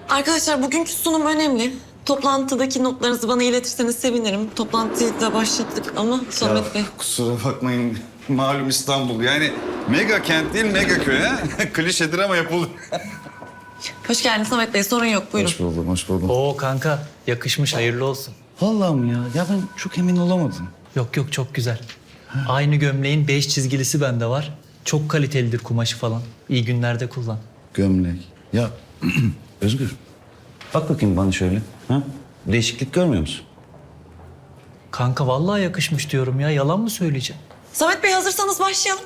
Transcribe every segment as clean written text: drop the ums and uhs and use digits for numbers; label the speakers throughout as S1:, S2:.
S1: Arkadaşlar bugünkü sunum önemli. Toplantıdaki notlarınızı bana iletirseniz sevinirim. Toplantıyı da başlattık ama Samet Bey.
S2: Kusura bakmayın. Malum İstanbul. Yani mega kent değil mega köy ha. Klişedir ama yapılır.
S1: Hoş geldiniz Samet Bey. Sorun yok. Buyurun.
S2: Hoş buldum, hoş buldum.
S3: Oo kanka yakışmış, hayırlı olsun.
S2: Vallahi mi ya? Ya ben çok emin olamadım.
S3: Yok yok, çok güzel. Aynı gömleğin 5 çizgilisi bende var. Çok kalitelidir kumaşı falan. İyi günlerde kullan.
S2: Gömlek. Ya Özgür. Bak bakayım bana şöyle. Ha? Değişiklik görmüyor musun?
S3: Kanka vallahi yakışmış diyorum ya. Yalan mı söyleyeceğim?
S1: Samet Bey hazırsanız başlayalım.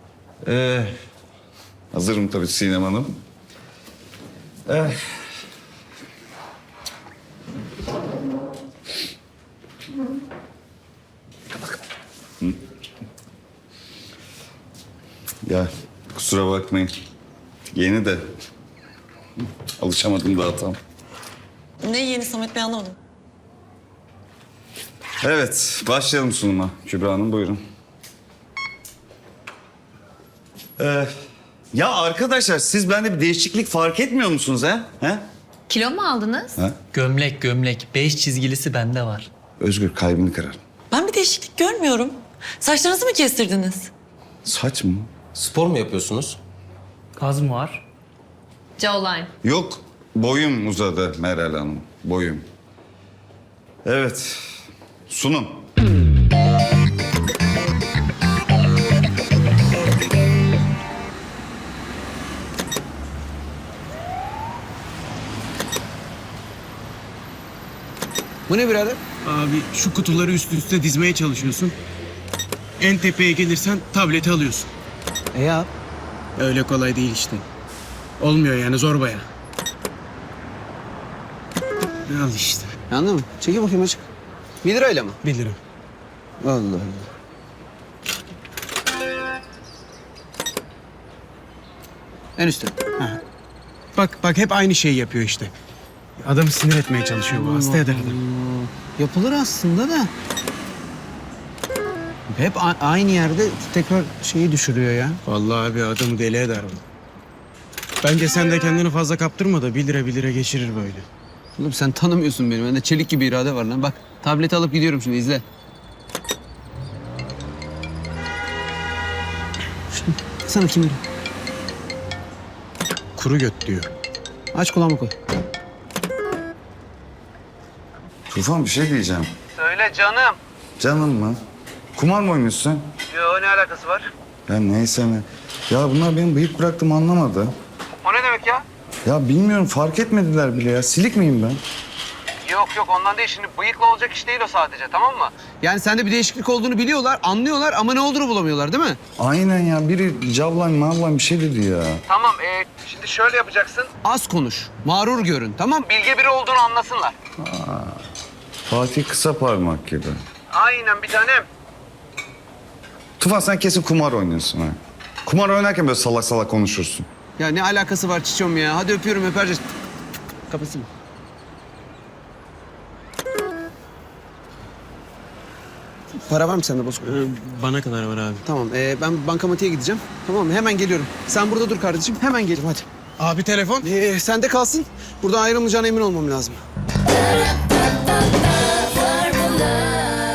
S2: Hazırım tabii Sinem Hanım. Ya kusura bakmayın. Yeni de alışamadım daha tam.
S1: Ne yeni Samet Bey anlamadım.
S2: Evet, başlayalım sunuma. Kübra Hanım buyurun. Ya arkadaşlar siz bende bir değişiklik fark etmiyor musunuz ha?
S4: Kilo mu aldınız?
S2: Ha?
S3: Gömlek 5 çizgilisi bende var.
S2: Özgür kalbini kırar.
S1: Ben bir değişiklik görmüyorum. Saçlarınızı mı kestirdiniz?
S2: Saç mı?
S5: Spor mu yapıyorsunuz?
S3: Gaz mı var?
S4: Jawline.
S2: Yok, boyum uzadı Meral Hanım. Boyum. Evet, sunum.
S5: Bu ne birader?
S6: Abi şu kutuları üst üste dizmeye çalışıyorsun. En tepeye gelirsen tableti alıyorsun.
S5: Ya
S6: Öyle kolay değil işte. Olmuyor yani zor baya. Al işte.
S5: anladın mı? Çekil bakayım açık. 1 lirayla mı?
S6: 1 lira.
S5: Allah Allah. En üstte.
S6: Bak hep aynı şeyi yapıyor işte. Adamı sinir etmeye çalışıyor bu. Hasta eder adam.
S5: Yapılır aslında da. Hep aynı yerde tekrar şeyi düşürüyor ya.
S6: Vallahi abi adamı deli eder bu. Bence sen de kendini fazla kaptırma da 1 lira geçirir böyle.
S5: Oğlum sen tanımıyorsun beni. Bende çelik gibi irade var lan. Bak tableti alıp gidiyorum şimdi izle. Sana kim bilir?
S6: Kuru göt diyor.
S5: Aç kulağımı koy.
S2: Tufan bir şey diyeceğim.
S7: Söyle canım.
S2: Canım mı? Kumar mı oynuyorsun?
S7: Yo, ne alakası var?
S2: Ya neyse ne. Ya bunlar benim bıyık bıraktığımı anlamadı.
S7: O ne demek ya?
S2: Ya bilmiyorum fark etmediler bile ya. Silik miyim ben?
S7: Yok ondan değil. Şimdi bıyıkla olacak iş değil o sadece, tamam mı?
S5: Yani sende bir değişiklik olduğunu biliyorlar, anlıyorlar ama ne olduğunu bulamıyorlar değil mi?
S2: Aynen ya. Biri cavlan mavlan bir şey dedi ya.
S7: Tamam, şimdi şöyle yapacaksın.
S5: Az konuş, mağrur görün tamam?
S7: Bilge biri olduğunu anlasınlar.
S2: Fatih kısa parmak gibi.
S7: Aynen bir tanem.
S2: Tufan sen kesin kumar oynuyorsun ha. Kumar oynarken böyle salak salak konuşursun.
S5: Ya ne alakası var çiçeğim ya? Hadi öpüyorum öpereceğiz. Kapatsın. Para var mı sende Bozkurt?
S6: Bana kadar var abi.
S5: Tamam ben bankamatiğe gideceğim. Tamam mı? Hemen geliyorum. Sen burada dur kardeşim. Hemen gelirim hadi.
S6: Abi telefon.
S5: Sende kalsın. Buradan ayrılmayacağına emin olmam lazım.